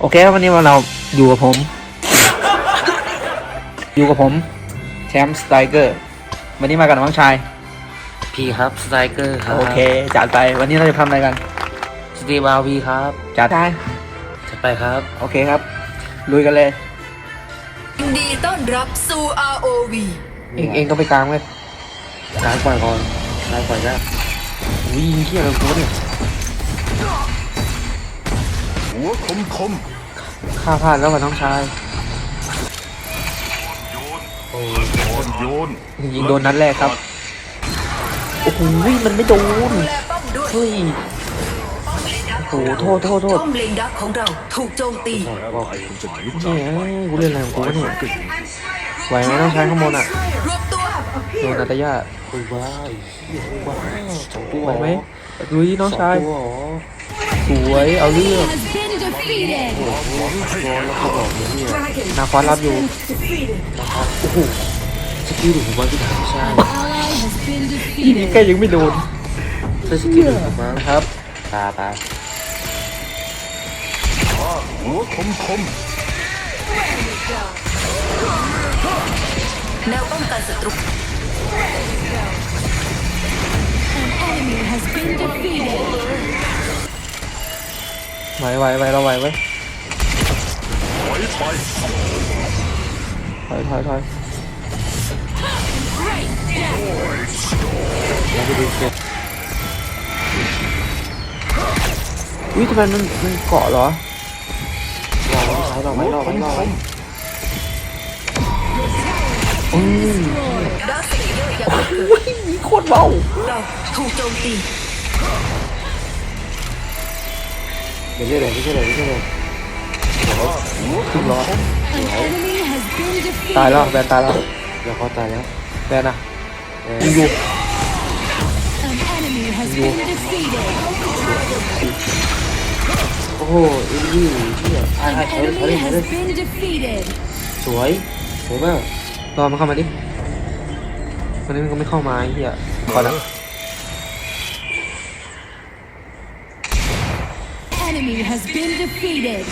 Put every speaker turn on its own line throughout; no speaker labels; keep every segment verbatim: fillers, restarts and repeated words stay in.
โอเคครับวันนี้เราอยู่กับผม อยู่กับผมแชมป์สไตรเกอร์วันนี้มากับน้องชาย
พี่ครับสไตรเกอร์ครับ
โอเคจัดไปวันนี้เราจะทำอะไรกัน
สตีบาวีครับ
จัดไป
จะไปครับ
โอเคครับลุยกันเลย
ยินดีต้อนรับสู่ อาร์ โอ วี
เองเองก็ไปกลางเว้ย
ล้างก่อนก่อนล้างก่อนนะ
วิ่งเที่ยวเลยกูเนี่ย
หัวคมคม
ข้าพลาดแล้วกับน้องชาย
อ่อนโยน
ยิงโดนนัดแรกครับโอ้โหมันไม่โดน
ดูแลป้อมด้วย
เฮ้ยโอ้โหโทษโทษโทษ
ป้อมเลนดักของเราถูกโจมตี
ว่าใครคุณจะหนี
เนี่ยเอ้ยกูเล่นอะไรของกูวะเนี่ยไหวไหมน้องชายข้างบนอ่ะ
รวบตัว
โดนนัตยา
คุยว้ายว้าวสองตัว
ไหวไหมลุยน้องชาย
ตัว
สวยเอาเรื่อง
has been defeated.
ร้อนแล้วก็บอกเลยเนี่ย
นาคว้ารับอยู่
โอ้โหสกิลหรือผมว่าพี่ถามไม่ใช่
Ally has been
นี่แก
defeated.
ยังไม่โดน
ใช่สกิลหรือผมว่า
นะครับ
ตาตา
หัวคมคม
แนวป้องกันศัตรู
An enemy has been defeated.
ไหวไหวไหวเราไหวไว้ย
ถอยไป
ถอยถอยถอย
แล้วไปดูเกม
อุ้ยทำไมมันมันเกาะเหรอ
รอไว้รอไว้รอไว้รอไว้
อืม
ดักสเลเยอร์ยังไม่เกิด
อุ้ยมีโคตรเบา
เราถูกโจมตี
ไม่ใช่เลยไม่ใช่เลยไม่ใช่เลย
ถึงร้อย
An enemy has been
ตายแล้ว
defeated.
แบนตายแล้ว
แล้วเขาตายแล้ว
แบนอ่ะยิงอยู่
An enemy has been defeated.
โอ้โหอินดี้ที่อ่ะอ่า
An
ถอยเลยถอยเลย
enemy
ถอยเลย
has been defeated.
สวยสวยมาก
รอมันเข้ามาดิวันนี้มันก็ไม่เข้ามาไอ้เหี้ยก่อนนะ
Enemy has been defeated.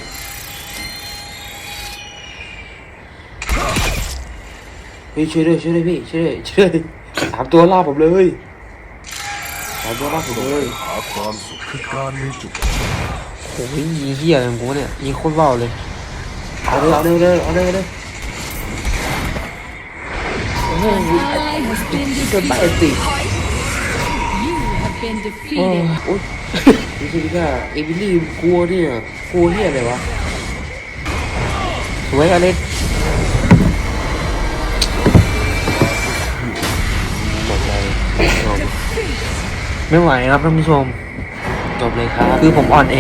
เฮ้ยช่วยด้วยช่วยด้วยพี่ช่วยด้วยช่วยด้วยสามตัวล่าผมเลยสามตัวล่าผมเลย
หาความสุขคือการมีจุด
โอ้ยยิงเหี้ยอะไรของกูเนี่ยยิงโคตรเบาเลย
เอาเลยเอาเลยเอาเลยเอาเลย
An ally has been
เกินไป
defeated.
สิ
You have been
โอ้
defeated.
โอ๊ยนี่คือว่าเอมิลี่กลัวเนี่ยกลัวเนี่ยอะไรวะ
สวยอเล็ก
จบเลยจบ
ไม่ไหวครับท่านผู้ชม
จบเลยครับ
คือผมอ่อนเอง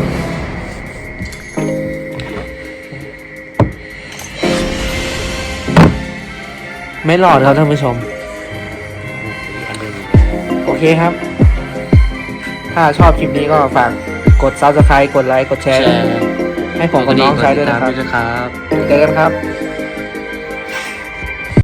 ไม่หลอดครับท่านผู้ชม
อันเดิม
โอเคครับ ถ้าชอบคลิปนี้ก็ฝากกด ซับสไครบ์ กดไลค์ กดแช
แช
ร์
ร์
ให้ผมกับน้องชายด้วยนะครับ
ด้วยนะครับ
เจอกันครับ